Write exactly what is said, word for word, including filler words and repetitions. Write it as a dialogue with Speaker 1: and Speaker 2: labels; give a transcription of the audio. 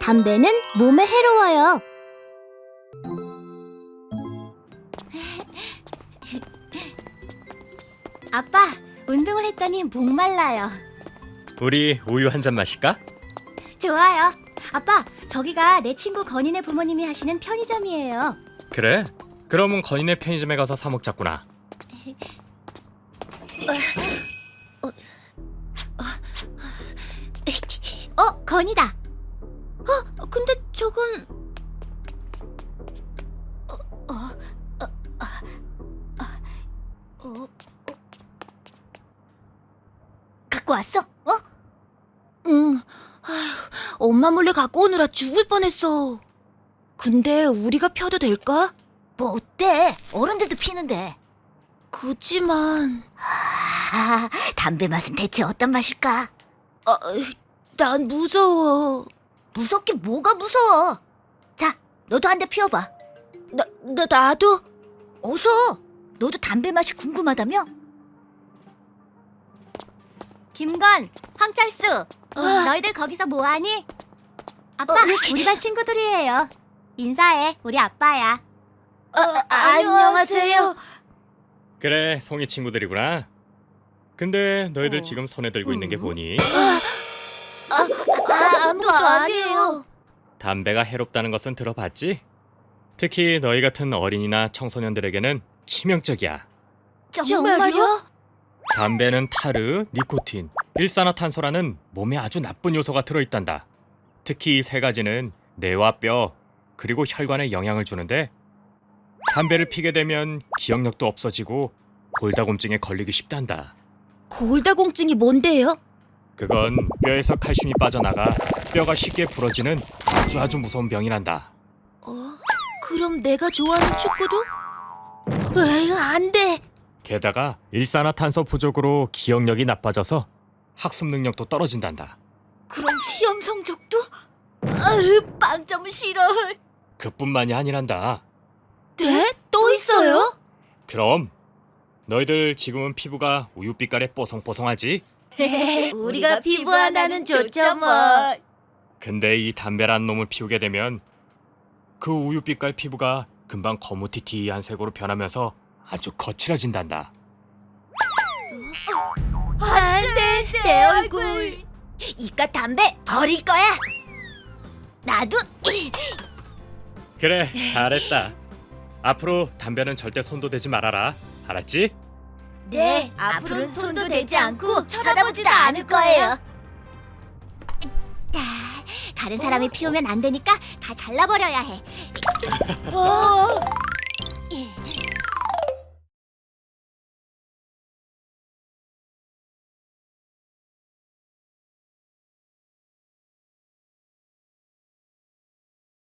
Speaker 1: 담배는 몸에 해로워요. 아빠, 운동을 했더니 목말라요.
Speaker 2: 우리 우유 한 잔 마실까?
Speaker 1: 좋아요. 아빠, 저기가 내 친구 건인의 부모님이 하시는 편의점이에요.
Speaker 2: 그래? 그러면 건인의 편의점에 가서 사 먹자꾸나.
Speaker 1: 어, 건이다. 어, 근데 저건 어, 어, 어, 아, 아, 어, 어. 갖고 왔어? 어? 응. 아휴, 엄마 몰래 갖고 오느라 죽을 뻔했어. 근데 우리가 펴도 될까? 뭐 어때? 어른들도 피는데. 그치만 아, 담배 맛은 대체 어떤 맛일까? 아, 난 무서워. 무섭게 뭐가 무서워? 자, 너도 한 대 피워봐. 나, 나, 나도? 어서! 너도 담배 맛이 궁금하다며? 김건, 황철수, 너희들 거기서 뭐하니? 아빠, 우리 반 친구들이에요. 인사해, 우리 아빠야. 안녕하세요.
Speaker 2: 그래, 송이 친구들이구나. 근데 너희들
Speaker 1: 어.
Speaker 2: 지금 손에 들고 있는 게 뭐니?
Speaker 1: 아, 아무것도 아니에요.
Speaker 2: 담배가 해롭다는 것은 들어봤지? 특히 너희 같은 어린이나 청소년들에게는 치명적이야.
Speaker 1: 정말요?
Speaker 2: 담배는 타르, 니코틴, 일산화탄소라는 몸에 아주 나쁜 요소가 들어있단다. 특히 이 세 가지는 뇌와 뼈, 그리고 혈관에 영향을 주는데 담배를 피게 되면 기억력도 없어지고 골다공증에 걸리기 쉽단다.
Speaker 1: 골다공증이 뭔데요?
Speaker 2: 그건 뼈에서 칼슘이 빠져나가 뼈가 쉽게 부러지는 아주 아주 무서운 병이란다.
Speaker 1: 어? 그럼 내가 좋아하는 축구도? 에이, 안 돼.
Speaker 2: 게다가 일산화탄소 부족으로 기억력이 나빠져서 학습 능력도 떨어진단다.
Speaker 1: 그럼 시험 성적도? 아유, 빵점 싫어.
Speaker 2: 그뿐만이 아니란다.
Speaker 1: 네? 또 있어요?
Speaker 2: 그럼 너희들 지금은 피부가 우유빛깔에 뽀송뽀송하지?
Speaker 1: 우리가 피부 하나는 좋죠 뭐.
Speaker 2: 근데 이 담배란 놈을 피우게 되면 그 우유빛깔 피부가 금방 거무튀튀한 색으로 변하면서 아주 거칠어진단다.
Speaker 1: 안 돼, 내 얼굴. 이깟 담배 버릴 거야. 나도.
Speaker 2: 그래, 잘했다. 앞으로 담배는 절대 손도 대지 말아라. 알았지?
Speaker 1: 네, 앞으로는 손도 대지 않고 쳐다보지도 않을 거예요. 다른 사람이 피우면 안 되니까 다 잘라버려야 해. 어?